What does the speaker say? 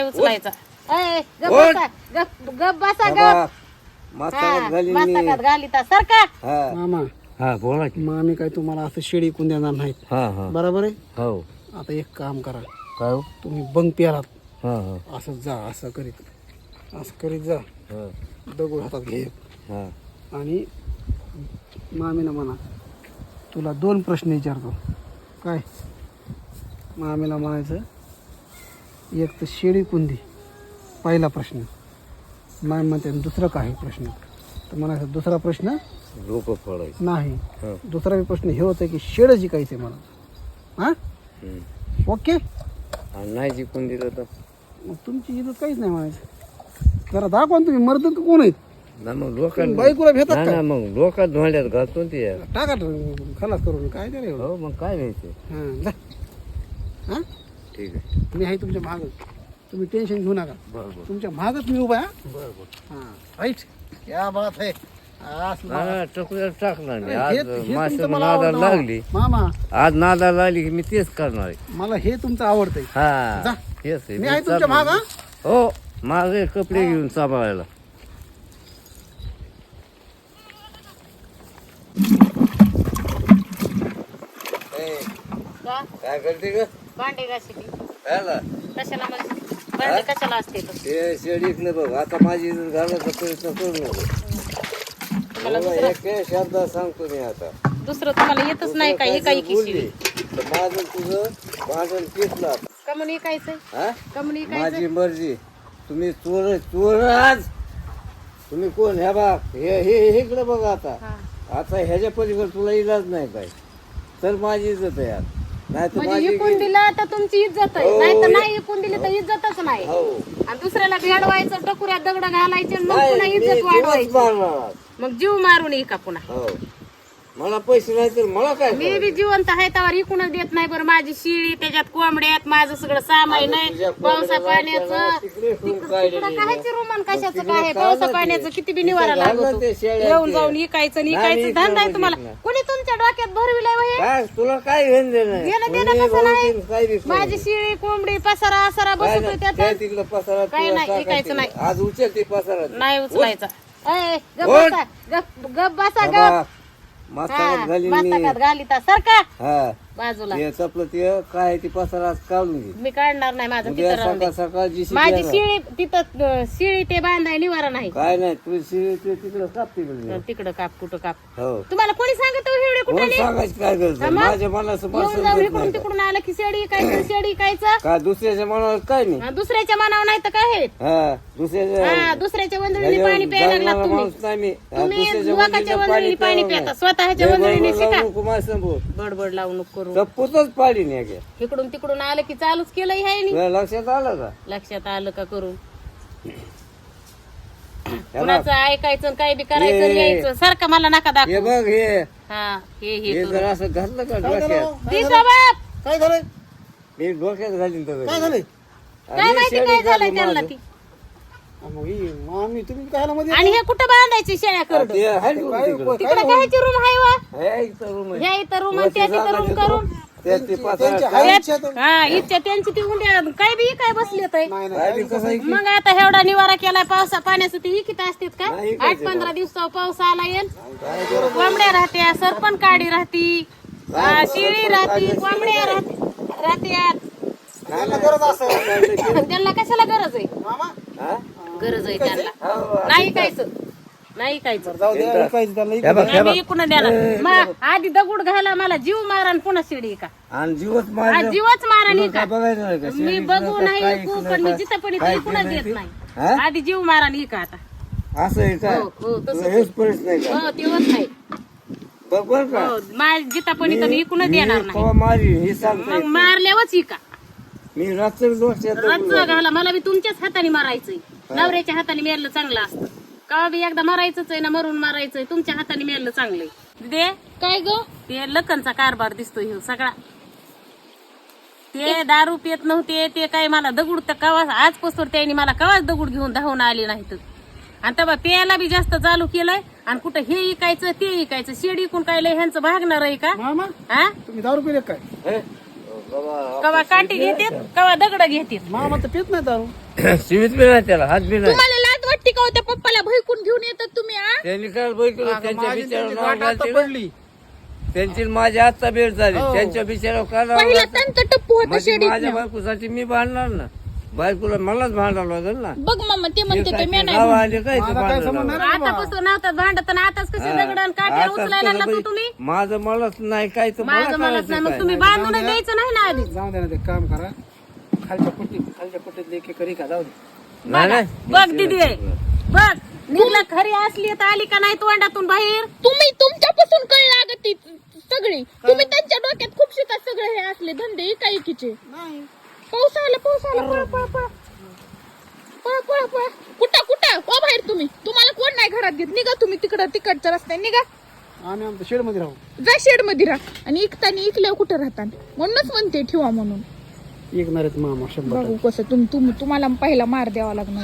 उचलायचा. गप बसा, गप बसा, गप. मस्तकात घालीता सारखा. मामा हा बोला की. मामी काय तुम्हाला असं शेळी कोण देणार नाहीत. हा हा बरोबर आहे. हो. आता एक काम करा, काय हो? तुम्ही बंग प्यालात हा हा असं जा, असं करीत जा, हा दगड हातात घे हा आणि मामीला म्हणा तुला 2 प्रश्न विचारतो. काय मामीला म्हणायचं, एक तर शेळी कोणती, पहिला प्रश्न. मामी म्हणते दुसरं काय प्रश्न, तर म्हणायचं दुसरा प्रश्न डोकं फोडायचं नाही. हा. दुसरा बी प्रश्न हे होतं की शेड जिकायचं आहे मला. हां ओके. आणि नाही जिंकून दिलं तर मग तुमची इथं काहीच नाही म्हणायचं. जरा दाखवा ना तुम्ही मर्द का कोण आहेत. ना मग लोकांना बायकोला भेटतात ना का? ना मग लोकात धोंड्यात घालतो ते. टाका खलास करून काय त्याला एवढं. हो मग काय घ्यायचं. हां जा. हां ठीक आहे. मी आहे तुमच्या मागं, तुम्ही टेन्शन घेऊ नका. बरोबर तुमच्या मागच मी उभा आहे. बरोबर. हां राईट. क्या बात आहे. असलं. ना टकुऱ्यात टाकणार नाही. हे- आज हे तुमचं माणसं मला नादाला आवडतं. लागली. मामा आज नादाला लागली की मी तेच करणार आहे. मला हे तुमचं आवडतंय. हा जा. तेच आहे. मी आहे तुमच्या मागं. हो माझे कपडे घेऊन सांभाळायला. का? काय करते ग? भांडे घासते. कशाला? कशाला म्हणजे भांडे कशाला असते तर? ते शेडीतलं बघ. आता माझी इज्जत घालायचा प्रयत्न करू नको. तुम्हाला बाबा, एक शब्द सांगतो मी आता. दुसरं तुम्हाला येतच नाही का? एकाई बोलली किशी तर माझं तुझं भांडण पिसलं आता. का म्हणून ऐकायचंय? हा? का म्हणून माझी ऐकायचं? मर्जी. तुम्ही चोर आज तुम्ही कोण ह्या बघ हे इकडे बघ आता. हा. आता ह्याच्या पलीकडे तुला इलाज नाही काय तर माझी इज्जत आहे यार. नाही तर म्हणजे माझी इकून दिलं तर तुमची इज्जत आहे, हो, नाही तर नाही इकून दिली तर इज्जतच नाही. हो आणि दुसऱ्याला भेडवायचं, टकुऱ्यात दगड घालायचे आणि मग नाही, पुन्हा मी इज्जत जीवच वाढवायची. मारणार. मग जीव मारून ये का पुन्हा? हो मला पैसे नाही तर मला काय मी बी जिवंत आहे त्यावर इकूनच देत नाही. बरं माझी शिळी, त्याच्यात कोंबड्यात माझं सगळं सामान आहे. पावसा पाण्याचं तिकडं कायची रुमान कशाचं काय आहे? पावसा पाण्याचं किती बी निवारा लागतो. येऊन जाऊन इकायचं आणि इकायचं धंदा आहे तुम्हाला. कोणी तुमच्या डोक्यात भरविलाय वय? काय तुला काय घेऊन देणं घेणं देणं कसं नाही? माझी शिळी, कोंबडी, पसारा आसारा बसतोय त्यात. तिकडं पसारा काय तुला नाही, टाकायचं. ऐकायचं नाही. आज उचल ती पसारा नाही उचलायचा. गप उठ. बसा, गप बसा, गप. मस्तकात घालीन मी. मस्तकात घालीता सारखा हा बाजूला. ते चपलं ते काय ती पसारा काढून घे. मी काढणार नाही, माझं उद्या तिथं राहून दे. सकाळ सकाळ जी माझी शिळी तिथं, शिळी ते बांधाय निवारा नाही. काय नाही तू तिकडं काप तिकडे. तिकडं काप, कुठं काप. हो तुम्हाला कोणी सांगत एवढे कोण कुठे सांगायचं काय गरज आहे? मग? माझ्या मनाचं येऊन पसंत जाऊन देत इकडून नाही का? तिकडून आलं की शेडी कायचं, शेडी कायचं. काय दुसऱ्याच्या मनावर काय नाही. दुसऱ्याच्या मनावर नाही तर काय आहे? हा दुसऱ्याच्या दुसऱ्याच्या वंजळीने पाणी प्यायला लागला जगणारा तुम्ही. माणूस नाही मी. तुम्ही दुसऱ्याच्या लोकांच्या वंजीला वंजळीने पाणी प्यावं पिता, नाही. स्वतःच्या लय वंजळीने बडबड लावू शिका. नको माझ्या समोर. बडबड लावू नको करू. चप्पूतच पाडी नाही का? इकडून तिकडून आलं की चालूच केलंय ह्यानी. तुला लक्षात आलं का? लक्षात आलं का करून? ह्याला- कुणाचं ऐकायचं आणि काय बी करायचं आणि हे- यायचं. सारखं मला नका हे दाखवू. बघ हे हा हे हे करू. जर असं घातलं का काय झालं? डोक्यात दिसा बाप. काय झालंय? मी डोक्यात घालीन तर काय झालंय? काय माहिती काय झालंय त्यांना ती. मग ही मामी तुम्ही काय मध्ये आणि हे कुठं बांधायची शेळ्या करड? ते आहे ना काय- तिकडं. तिकडे कायची रूम आहे वा? हे इथं room आहे. ह्या इथं रूम आणि त्या तिथं रूम करून. त्यात ते पसारा त्यांच्या काय- आयुष्यात- हा इच्छा त्यांची ती उंड्या काय बी काय बसले तर. नाही काय बी कसं आहे की? मग आता एवढा निवारा केलाय पावसा पाण्याचं ते इकित असतात का? नाही इकायचं 8-15 दिवसावर पाऊस आला येईल. काय ते- कोंबड्या राहत्या, सरपण काडी राहती, शिळी राहती, कोंबड्या राहत्यात. त्यांना गरज असेल. त्यांना कशाला गरज आहे? मामा हा? गरज आहे त्यांना. हो, नाही कायचं, नाही कायचं. जाऊ द्या विकायचं त्यांना हे बघ, हे नाही बघ. मी इकडून देणार. मग आधी दगड घाला मला जीव मारा आणि पुन्हा शिडी का? आणि जीवच आज माझ्या जीवच मारा नाही काय का? बघायचं नाही का? मी शेळीचं बघू का नाही काय ऐकू, इकडं पण मी काय- जिथं पण काय इकडून केलं देत ते? नाही. हा? आधी जीव मारा नाही का आता? असं आहे का? हो, हो, तसंच आहे. हेच परिस्थिती नाही का? हो तेव्हाच नाही. बघ बरं का हो माझ्या जिथं पण इथं मी इकडून देणार नाही. कवा मारी हे सांगता मग येत नाही. मारल्यावरच इका. मी रात्र डोक्यात रच घाला मला बी तुमच्याच हाताने मारायचंय. नवऱ्याच्या हाताने मेरलं चांगलं असतं. का बी एकदा मारायचंच आहे ना, मरून मारायचंय. तुमच्या हाताने मेरलं चांगलंय. दे काय ग ते लखनचा कारभार दिसतोय ह्यो सगळा. ते दारू पित नव्हते ते काय मला दगड तर कवा आजपासून त्यांनी मला कवाच दगड घेऊन धावून आले नाहीत. आणि तेव्हा प्यायला बी जास्त चालू केलंय. आणि कुठं हे इकायचं ते इकायचं. शेडी कोण काय लय ह्यांचं भागणार आहे का? मामा हा तुम्ही दारू पिले काय? हे? कवा काठी घेतात कवा दगड घेतात. मामा तर पित नाही दारू. शिवीत बी नाही त्याला, हात बी नाही. तुम्हाला लाज वाटते का हो त्या पप्पाला भैकून घेऊन येतात तुम्ही आ? त्यांनी काय बघितलं, त्यांच्या माझी बिचारावर त्यांची नाव गाठ आता घालते ना. पडली. त्यांची माझी आत्ता भेट झाली, हो. त्यांच्या बिचारावर का नाव पहिला घालते? त्यांचं टप्पू होता म्हणजे शेडीत माझ्या बायकोसाठी मी भांडणार ना, बायकोला मलाच भांडावं लागेल ना. बघ मामा ते म्हणते ते मी नाही गाव भांडत. आले काय ते मला काय भांडायला समजणार लावलं. नाही. आतापासून नव्हतात भांडत आणि आताच कसे दगडण काट्या आता उचलायला कसं लागला बाई, तुम्ही माझं मलाच नाही काय तर मला माझं मलाच नाही करायचं मग काय? तुम्ही बांधून द्यायचं नाही ना आधी जाऊ दे ना, ते काम करा. खालच्या पट्टीत एक एक का जाऊ दे. नाही, नाही. बघ दिदी बघ निघला खरी असली तर आली का नाही तोंडातून बाहेर तुम्ही तुमच्यापासून कळ लागत ती सगळी तुम्ही त्यांच्या डोक्यात खूप शिकत सगळे हे असले धंदे इकायकीचे पाऊस आला पळ पळ पळ पळ पळ पळ कुठं कुठं हो बाहेर तुम्ही तुम्हाला कोण नाही घरात घेत निघा तुम्ही तिकडं तिकडच्या रस्त्याने निघा आम्ही आमच्या शेडमध्ये राहू. जा शेड मध्ये राहा आणि इकतानी इकल्यावर कुठं राहता म्हणूनच म्हणते ठेवा म्हणून ऐकणार आहेत मामा 100%. बघू कसं तुम्हाला पहिला मार द्यावा लागणार